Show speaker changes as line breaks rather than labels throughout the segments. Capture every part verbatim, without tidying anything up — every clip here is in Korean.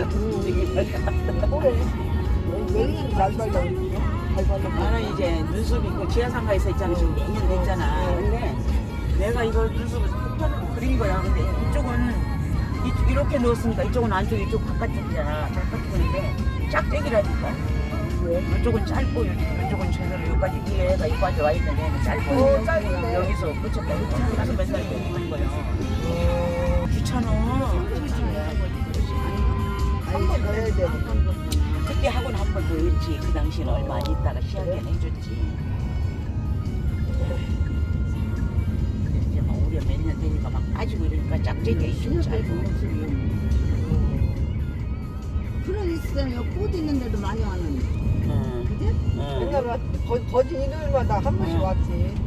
그래. 여기는 잘 발라. 잘 발라.
나는 이제 눈썹이 그 지하상가에서 있잖아. 지금 몇 년 됐잖아. 근데 내가 이걸 눈썹을 패턴으로 그린 거야. 근데 이쪽은 이, 이렇게 넣었으니까 이쪽은 안쪽, 이쪽 바깥쪽이잖아. 바깥쪽인데 짝짝이라니까.
왜?
이쪽은 짧고 이쪽은 제대로 여기까지 이 애가 여기까지 와 있는 애는 짧고
어, 짧네.
여기서 끝쳤다. 그래서 맨날 이렇게 하는 거야. 귀찮아.
한 번 더 해야 돼.
그때 학원 한 번 더 했지. 그 당시는 얼마 안 있다가 시작은 해줬지. 근데 이제 막 우리가 몇 년 되니까 막 빠지고 이러니까 짝짝이 이쪽 짧고.
그런 있어요. 꽃 있는데도 많이 왔는데.
응.
그지?
응.
옛날에 거, 거진 일요일마다 한 번씩
응.
왔지.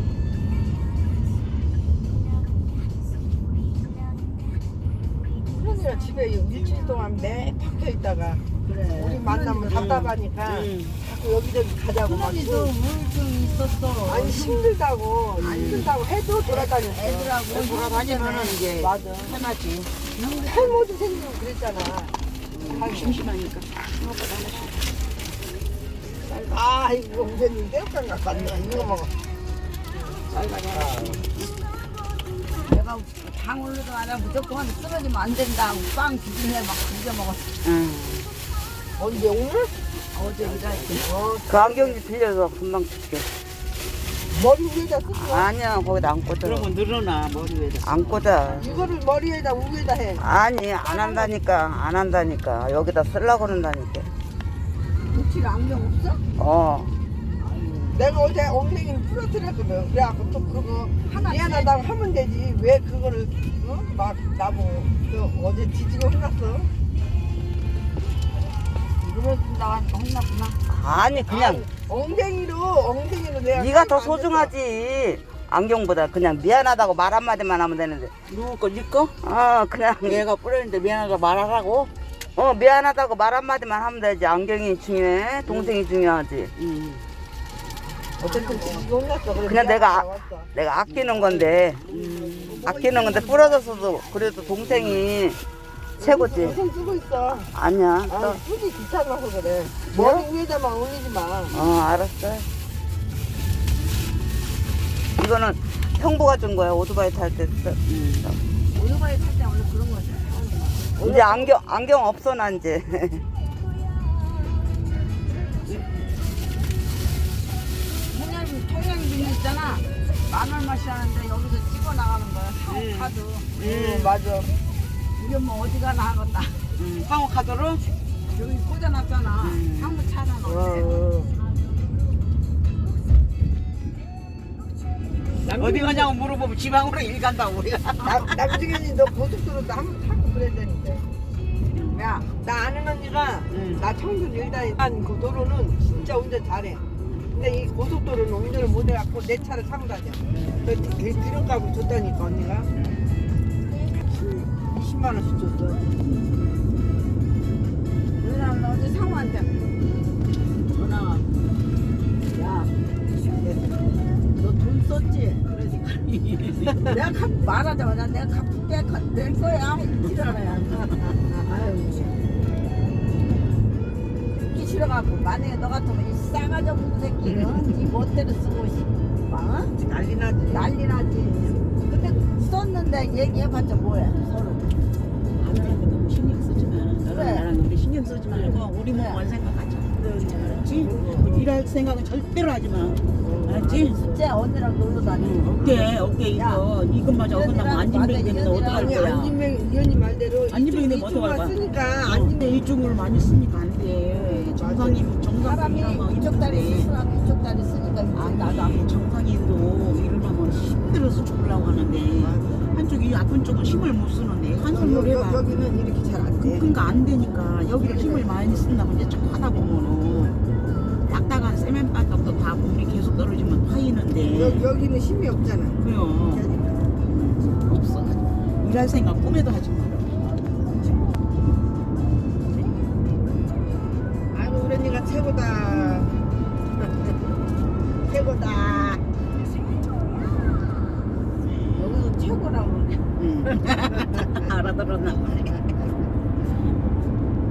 그러니까 집에 일주일 동안 매 박혀 있다가
그래.
우리 만나면 답답하니까
응.
자꾸 여기저기 가자고 막.
그러니도 우울증 있었어.
아니 힘들다고 힘들다고 해도 돌아다녔어.
애들하고
돌아다니면은 이제
맞아.
편하지.
탈모도 생기고 그랬잖아.
음, 심심하니까. 먹고 하나씩.
아 이거 우선님 새우깡 갖고 왔네. 이거 먹어.
내가 당 올려도 아니라 무조건 쓰러지면 안 된다. 빵 주중에 막 비벼 먹었어.
응.
언제 오늘?
어제 일할때.
어,
그 안경이 빌려서 금방 줄게.
머리 위에다 쓰지 마.
아니야, 거기다 안 꽂아.
그러면 늘어나 머리 위에다.
안 꽂아.
이거를 머리에다 위에다 해.
아니, 안 한다니까. 안 한다니까. 여기다 쓰려고 그런다니까.
며칠 안경 없어?
어.
내가 어제 엉덩이를 부러뜨렸거든. 그래갖고 또 그거
하나
미안하다고 하면 되지. 왜 그거를 어? 막 나보고 또 어제 뒤지고 혼났어.
물어준다고 하니까 혼났구나.
아니, 그냥
아니, 엉덩이로 엉덩이로 내가
네가 더
안
소중하지. 안경보다 그냥 미안하다고 말 한마디만 하면 되는데.
누구 거? 네 거?
어, 그냥.
얘가 뿌렸는데 미안하다 말하라고?
어, 미안하다고 말 한마디만 하면 되지. 안경이 중요해. 동생이 중요하지.
응.
어쨌든 뒤지고 혼났어. 그래
그냥 내가 아-
나왔어.
내가 아끼는 건데. 아끼는 건데 부러졌어도 그래도 동생이 최고지.
고생 쓰고 있어.
아니야.
아,
또.
쓰기 귀찮아서 그래. 머리 위에다만 올리지 마.
어, 알았어. 이거는 형부가 준 거야. 오토바이 탈 때. 쓰-
오토바이 탈 때 원래 그런 거지.
이제 안경 안경 없어 난 이제.
통영 통영 빈 있잖아. 만 얼마씩 하는데 여기서 찍어 나가는 거야. 상호 카드.
응, 맞아.
이게 뭐 어디 가나 하겠다.
응. 상호 카드로?
여기 꽂아놨잖아.
음.
한국 차잖아.
어.
어디 가냐고 물어보면 지방으로 일 간다고 우리가.
나, 남중현이 너 고속도로도 한번 타고 그랬다는데. 야, 나 아는 언니가
응.
나 청주 일단에 그 도로는 진짜 운전 잘해. 근데 이 고속도로는 운전을 못 해갖고 내 차를 타고 다녀. 그 기- 기름값을 줬다니까 언니가. 이십만 원씩 줬어.
왜냐면 어제 상호한테 전화가 야, 너 돈 썼지? 그러니까 내가 갚, 말하자마자 내가 갚을게 가- 낼 거야. 이러잖아요. 아유, 듣기 싫어갖고 만약에 너 같으면 이 싸가지 없는 새끼는 네 멋대로 쓰고 싶어. 어?
난리 나지.
난리 나지. 근데 썼는데 얘기해봤자 뭐야 서로.
아들한테 너무 신경 쓰지 마. 너랑
그래.
나랑 우리 신경 쓰지 말고 우리 몸만 생각하자. 알았지? 일할 생각은 절대로 하지 마. 알았지?
숫자 언니랑 놀러 다녀.
어깨 어깨 이거 이것마저 어긋나면 안진뱅이 되는데 어떡할
아니
거야?
안진뱅이 이 언니 말대로
안진뱅이 되면
이쪽-
어떡할
이쪽만
거야?
쓰니까
근데
안진뱅이
이쪽으로 많이 쓰니까 안 돼. 정상이
사람이
정상이라면
이쪽 다리
힘든데.
쓰라고 이쪽 다리 쓰니까
아니
나도
나도 정상인도 일어나면 힘들어서 죽으려고 하는데 한쪽이 아픈 쪽은 힘을 못 쓰는데 한 손으로
여기,
해봐.
여기는 이렇게 잘 안 돼.
그러니까 안 되니까 여기를 힘을 많이 쓴다고 이제 쭉 하다 보면은 딱딱한 세면바닥도 다 물이 계속 떨어지면 파이는데
여, 여기는 힘이 없잖아.
그래요. 없어. 일할 생각 꿈에도 하지 마.
아이고 우리 언니가 최고다. 최고다.
여기서 최고라고 그러네.
응. 알아들었나 보네.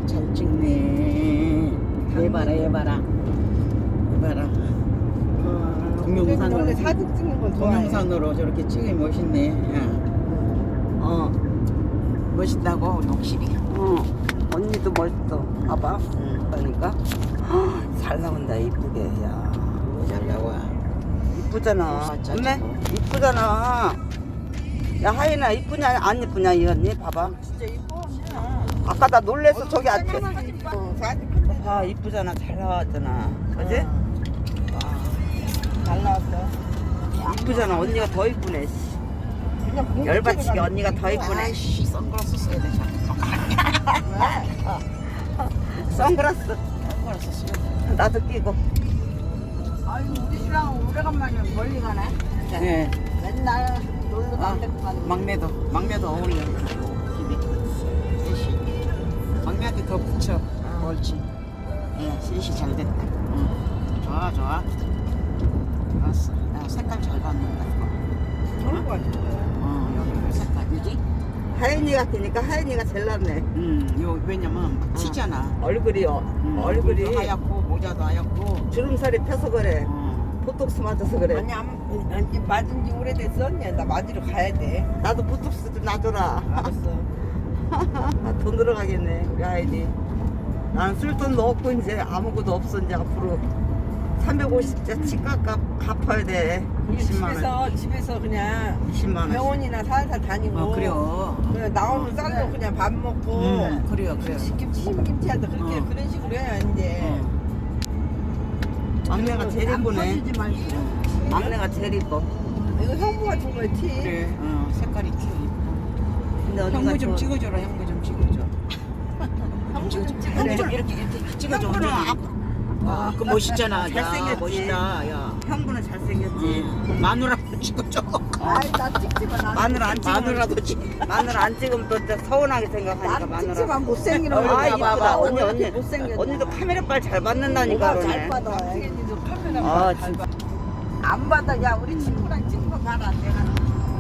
잘 찍네. 얘봐라 얘봐라 얘봐라.
어,
동영상으로.
원래 사진 찍는 건 좋아해.
동영상으로 저렇게 찍으니 멋있네. 야. 어 멋있다고 우리 옥실이.
어, 언니도 멋있어. 봐봐. 그러니까 잘 나온다 이쁘게. 야,
잘 나와.
이쁘잖아.
아, 짜증.
엄매 이쁘잖아. 야 하인아 이쁘냐 안 이쁘냐 이 언니 봐봐.
진짜 이뻐.
아까 나 놀래서 저기 앉아.
사진 봐. 어, 사진 큰
봐 이쁘잖아 잘 나왔잖아. 그지?
잘 나왔어.
이쁘잖아 언니가 더 이쁘네. 씨.
그냥 공주
열받치게
찍으라고.
언니가 더 이쁘네.
아이씨 선글라스 써야 돼.
선글라스
선글라스 써야 돼.
나도 끼고.
아유 우리 신랑은 오래간만에 멀리 가네.
네.
맨날 놀러도
아,
안 데리고 가는.
막내도 막내도 어울려. 집이. 셋이. 막내한테 더 붙여. 옳지. 예, 셋이 잘 됐다. 응. 좋아 좋아. 좋았어. 야, 색깔 잘 받는다.
좋을 것 같아.
어, 여기 색깔 그지?
하인이 같으니까 하인이가 제일 낫네.
음, 요 왜냐면 튀잖아.
얼굴이요.
음,
얼굴이
얼굴도 하얗고 모자도 하얗고.
주름살이 펴서 그래.
어.
보톡스 맞아서 그래.
아니 안, 아니 맞은 지 오래됐어 언니. 나 맞으러 가야 돼.
나도 보톡스 좀 놔줘라.
알았어.
돈 들어가겠네 우리 하인이. 나는 쓸돈도 없고 이제 아무것도 없어 이제 앞으로 삼백오십자 치과값 갚아야 돼. 이십만 원.
집에서 집에서 그냥
이십만 원.
병원이나 살살 다니고.
어, 그래요.
그냥 나오는 쌀로 그냥 밥 먹고.
음, 그래요, 그래요.
김치 김치한테 그렇게
어.
그런 식으로 해야 이제.
어.
막내가 제일 이쁘네.
터지지 말고.
막내가 제일 이뻐.
이거 형부가 준 거야 티.
그래. 어, 색깔이 튀.
근데 언니가
형부 좀
저-
찍어줘라. 형부 좀 찍어줘.
형부 좀
형부
찍으래.
좀 이렇게 이렇게 찍어줘.
형부는
언니.
앞-
아, 그 멋있잖아. 야,
잘생겼지.
멋있다. 야.
형부는 잘생겼지.
응. 마누라도 찍어줘.
아이 나 찍지 마. 나
마늘 안 찍으면
마누라도 찍.
마늘 안 찍으면 또 진짜 서운하게 생각하니까
난
마늘.
찍지 마. 못생긴
아
얼굴
이쁘다
봐봐.
언니 언니
어떻게 못생겼냐.
언니도 카메라빨 잘 받는다니까
뭐가
그러네.
잘 받아.
당연히도 카메라
아,
잘
진짜.
봐.
안 받아. 야 우리 친구랑 찍은 거 봐라. 내가.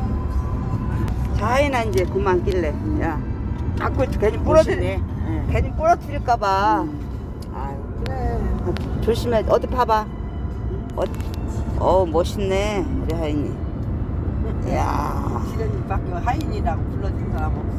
자이나 이제 그만 낄래. 야, 자꾸 괜히 부러뜨리,
멋있네. 응.
괜히 부러뜨릴까봐. 아유,
그래.
조심해. 어디 봐봐. 어, 어 멋있네 우리 하인이. 야,
지련이밖에 하인이라고 불러준 사람 없어.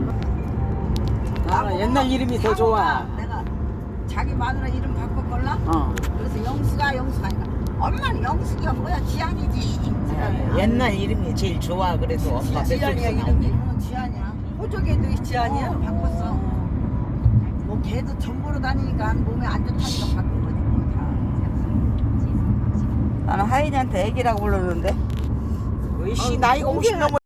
아, 옛날 이름이 더 좋아.
내가 자기 마누라 이름 바꿔볼라?
어.
그래서 영수가 영수가 아니라 엄마는 영수가 뭐야 지안이지.
옛날 이름이 제일 좋아. 그래도 엄마
지안이야,
뱃속에서
이름이?
어, 지안이야.
호족에도 지안이야?
어, 바꿨어. 뭐 걔도 전보로 다니니까 몸에 안 좋다니까 바꾼 거지 뭐 다.
나는 하인이한테 애기라고 불렀는데.
으이씨 나이가 오십 넘어